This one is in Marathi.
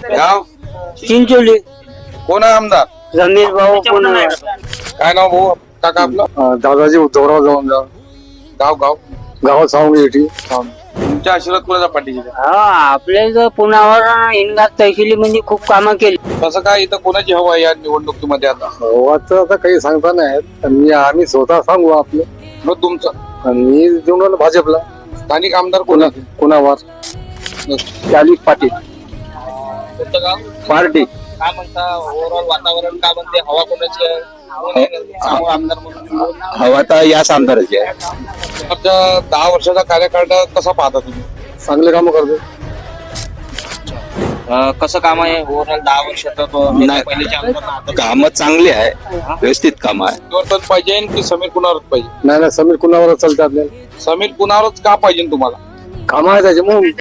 गाव चिंचोली कोण आहे आमदार? रमेश भाऊ पुणे काय नाव भाऊ काका आपलं? दादाजी उद्धवराव जाऊन गाव गाव गावात सांगू येते. तुमच्या आशीर्वाद कोणाच्या पाठीशी आहे? हा आपल्या इथं पुण्यावर हिंगणात तहसीली म्हणजे खूप कामं केली. कसं काय इथं कोणाची हवा आहे या निवडणुकीमध्ये आता? गावाचं आता काही सांगता नाही. आम्ही स्वतः सांगू आपलं. मग तुमचं मी देऊन राहिलो भाजपला. स्थानिक आमदार कोण आहे? कोणावर चालीस पाटील कोणतं गाव? पार्टी. काय म्हणता ओव्हरऑल वातावरण काय म्हणते? हवा कोणाची आहे? कोण आहे समोर आमदार म्हणून? हवा तर याच आमदाराची आहे. तुमच्या 10 वर्षाचा कार्यकाळ कसा पाहता तुम्ही? चांगले काम करतो. कसं काम आहे ओव्हरऑल 10 वर्षाचा? पहिलेचे आमदार काम चांगले आहे, व्यवस्थित काम आहे. परिवर्तन पाहिजे की समीर कुणावरच पाहिजे? नाही समीर कुणावर चालते आपल्याला. समीर कुणावरच का पाहिजे तुम्हाला? काम आहे त्याचे मग